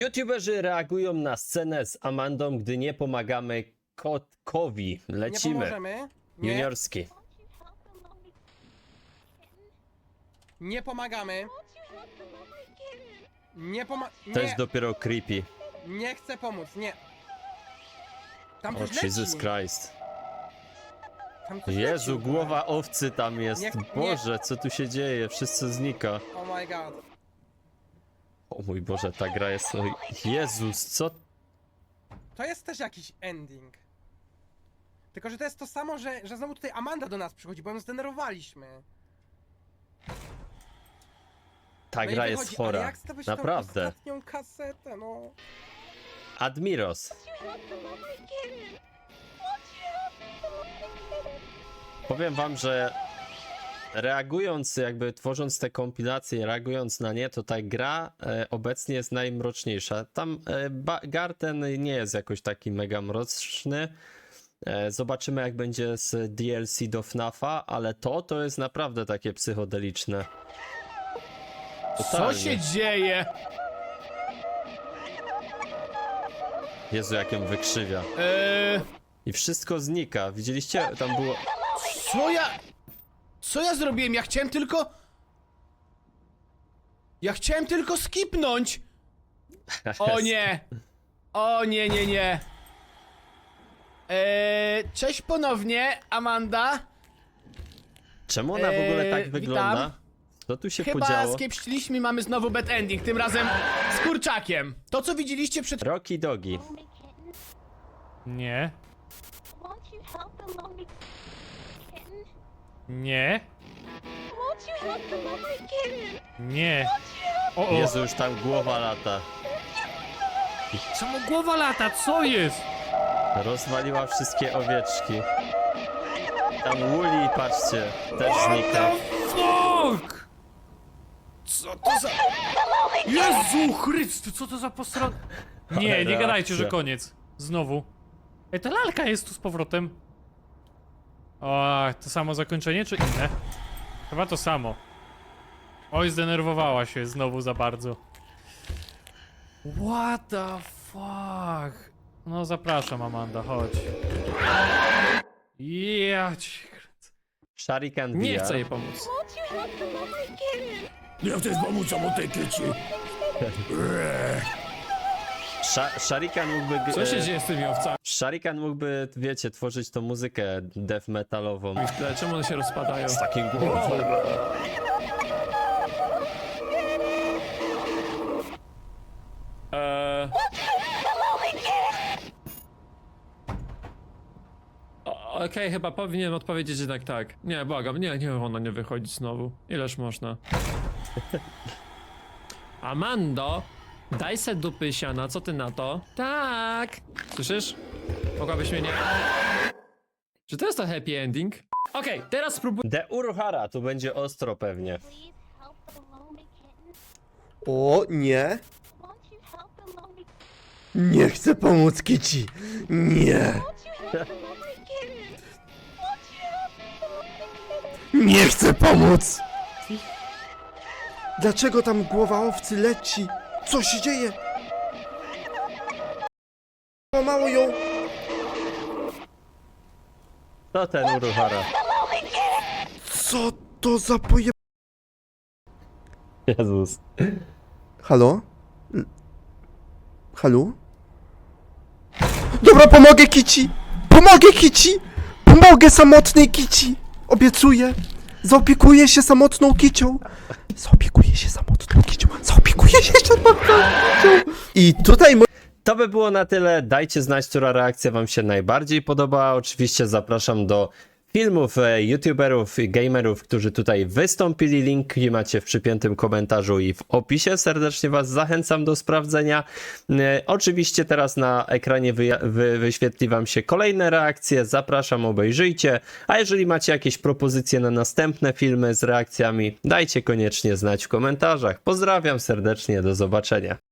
YouTuberzy reagują na scenę z Amandą, gdy nie pomagamy kotkowi. Nie Lecimy. pomożemy. Nie, Juniorski. nie pomagamy. Nie To jest Nie, dopiero creepy. nie chcę pomóc, nie. Tam O coś Jesus leci. Christ. Tam coś Jezu, leci. głowa owcy tam jest. Nie- Boże, co tu się dzieje? Wszystko znika. Oh my god. O mój Boże, ta gra jest... O Jezus, co? To jest też jakiś ending. Tylko, że to jest to samo, że znowu tutaj Amanda do nas przychodzi, bo ją zdenerwowaliśmy. Ta No i gra wychodzi, jest ale chora. jak stawiać tą Naprawdę. ostatnią kasetę, no. Admiros. Powiem wam, że reagując, jakby tworząc te kompilacje, reagując na nie, to ta gra obecnie jest najmroczniejsza. Tam Garten nie jest jakoś taki mega mroczny. Zobaczymy, jak będzie z DLC do FNAF-a, ale to jest naprawdę takie psychodeliczne. Co Totalnie. się dzieje? Jezu, jak ją wykrzywia. I wszystko znika. Widzieliście? Tam było... Co ja zrobiłem? Ja chciałem tylko skipnąć! O nie! O nie, nie, nie! Cześć ponownie, Amanda. Czemu ona w ogóle tak witam. wygląda? Co tu się Chyba podziało? skiepściliśmy i mamy znowu bad ending, tym razem z kurczakiem. To, co widzieliście przed... Rocky Dogi. Nie. Nie. Nie. O, o. Jezu, już tam głowa lata. Czemu głowa lata? Co jest? Rozwaliła wszystkie owieczki. Tam Woolly, patrzcie, też What znika. the fuck? Co to za... Jezu Chryst, co to za posra... Nie, nie gadajcie, że reakcja. koniec. Znowu. Ej, ta lalka jest tu z powrotem. O, to samo zakończenie, czy inne? Chyba to samo. Oj, zdenerwowała się znowu za bardzo. What the fuck? No zapraszam, Amanda, chodź. Ja ci... Shuriken Nie VR. chcę jej pomóc. Nie chcesz pomóc samotnej kieci. Shuriken mógłby... Co się dzieje z tymi owcami? Shuriken mógłby, wiecie, tworzyć tą muzykę death metalową. Czemu one się rozpadają? Z takim głosem. Okej, chyba powinienem odpowiedzieć jednak tak. Nie, błagam, nie, ona nie wychodzi znowu. Ileż można? Amando, daj se dupy siana, co ty na to? Tak! Słyszysz? Mogłabyś mnie nie... Czy to jest to happy ending? Okej, teraz spróbuj... De Uruhara, tu będzie ostro pewnie. O nie! Nie chcę pomóc Kici! Nie! Nie chcę pomóc! Dlaczego tam głowa owcy leci? Co się dzieje? Mało ją! To ten Uruhara. Co to za poje... Jezus. Halo? Halo? Dobra, pomogę Kici! Pomogę Kici! Pomogę samotnej Kici! Obiecuję! Zaopiekuję się samotną Kicią! Zaopiekuję się samotną Kicią! Zaopiekuję się samotną Kicią! I tutaj... To by było na tyle. Dajcie znać, która reakcja wam się najbardziej podoba. Oczywiście zapraszam do filmów youtuberów i gamerów, którzy tutaj wystąpili. Linki macie w przypiętym komentarzu i w opisie. Serdecznie was zachęcam do sprawdzenia. Oczywiście teraz na ekranie wyświetli wam się kolejne reakcje. Zapraszam, obejrzyjcie. A jeżeli macie jakieś propozycje na następne filmy z reakcjami, dajcie koniecznie znać w komentarzach. Pozdrawiam serdecznie, do zobaczenia.